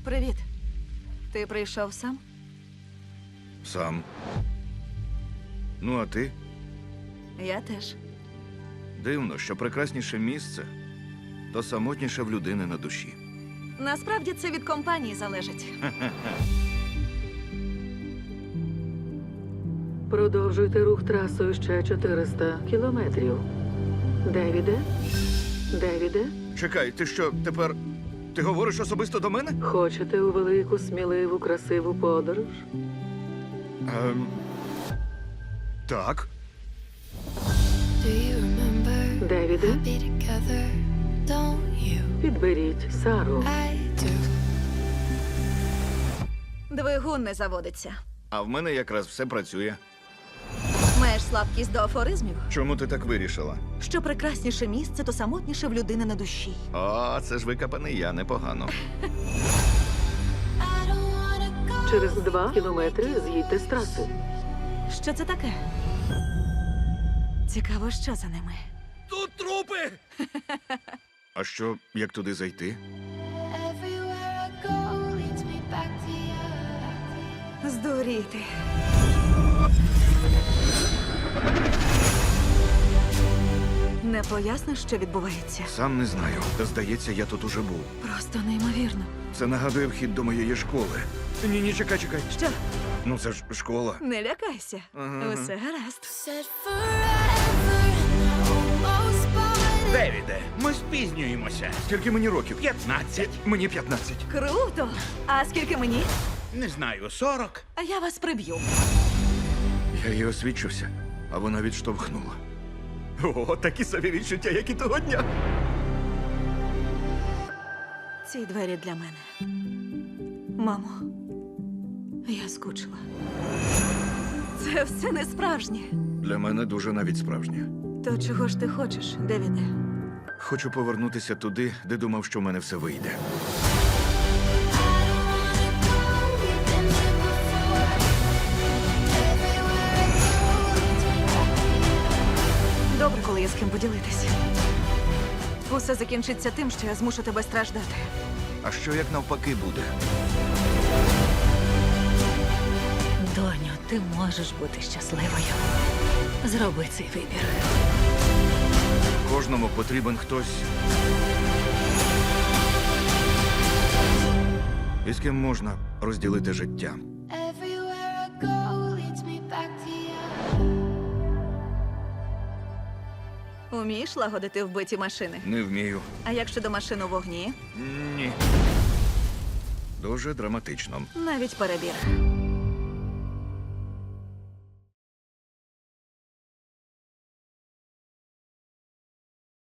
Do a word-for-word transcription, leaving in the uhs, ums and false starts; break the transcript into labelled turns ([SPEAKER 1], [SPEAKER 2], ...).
[SPEAKER 1] Привіт. Ти прийшов сам?
[SPEAKER 2] Сам. Ну, а ти?
[SPEAKER 1] Я теж.
[SPEAKER 2] Дивно, що прекрасніше місце, то самотніше в людини на душі.
[SPEAKER 1] Насправді це від компанії залежить.
[SPEAKER 3] Продовжуйте рух трасою ще чотириста кілометрів. Девіде? Девіде?
[SPEAKER 2] Чекай, ти що, тепер... Ти говориш особисто до мене?
[SPEAKER 3] Хочете у велику, сміливу, красиву подорож?
[SPEAKER 2] Ем... Так.
[SPEAKER 4] Do you remember
[SPEAKER 3] Девіде?
[SPEAKER 4] be together? Don't you?
[SPEAKER 3] Підберіть Сару.
[SPEAKER 4] I do.
[SPEAKER 1] Двигун не заводиться.
[SPEAKER 2] А в мене якраз все працює.
[SPEAKER 1] Маєш слабкість до афоризмів?
[SPEAKER 2] Чому ти так вирішила?
[SPEAKER 1] Що прекрасніше місце, то самотніше в людини на душі.
[SPEAKER 2] О, це ж викопаний я, непогано.
[SPEAKER 4] I don't wanna go.
[SPEAKER 3] Через два кілометри з'їдьте з траси.
[SPEAKER 1] Що це таке? Цікаво, що за ними.
[SPEAKER 2] Тут трупи! А що, як туди зайти?
[SPEAKER 4] Everywhere I go leads me back to you.
[SPEAKER 1] Здуріти. Не поясниш, що відбувається?
[SPEAKER 2] Сам не знаю. Та здається, я тут уже був.
[SPEAKER 1] Просто неймовірно.
[SPEAKER 2] Це нагадує вхід до моєї школи. Ні, ні, чекай, чекай.
[SPEAKER 1] Що?
[SPEAKER 2] Ну це ж школа.
[SPEAKER 1] Не лякайся.
[SPEAKER 2] Ага.
[SPEAKER 1] Усе гаразд.
[SPEAKER 4] Said forever, almost but
[SPEAKER 5] Девіде, ми спізнюємося.
[SPEAKER 2] Скільки мені років?
[SPEAKER 5] П'ятнадцять.
[SPEAKER 2] Мені п'ятнадцять.
[SPEAKER 1] Круто! А скільки мені?
[SPEAKER 5] Не знаю, сорок.
[SPEAKER 1] А я вас приб'ю.
[SPEAKER 2] Я їй освідчився, а вона відштовхнула. О, такі собі відчуття, як і того дня.
[SPEAKER 1] Ці двері для мене. Мамо, я скучила. Це все не справжнє.
[SPEAKER 2] Для мене дуже навіть справжнє.
[SPEAKER 1] То чого ж ти хочеш, Девіде?
[SPEAKER 2] Хочу повернутися туди, де думав, що в мене все вийде.
[SPEAKER 4] we've been here before. Everywhere I go leads me back.
[SPEAKER 1] Добре, коли є з ким поділитися. Усе закінчиться тим, що я змушу тебе страждати.
[SPEAKER 2] А що як навпаки буде?
[SPEAKER 1] Доню, ти можеш бути щасливою. Зроби цей вибір.
[SPEAKER 2] Кожному потрібен хтось, із ким можна розділити життя.
[SPEAKER 4] Everywhere I go leads me back to you.
[SPEAKER 1] Умієш лагодити вбиті машини?
[SPEAKER 2] Не вмію.
[SPEAKER 1] А як щодо машин у вогні?
[SPEAKER 2] Ні. Дуже драматично.
[SPEAKER 1] Навіть перебір.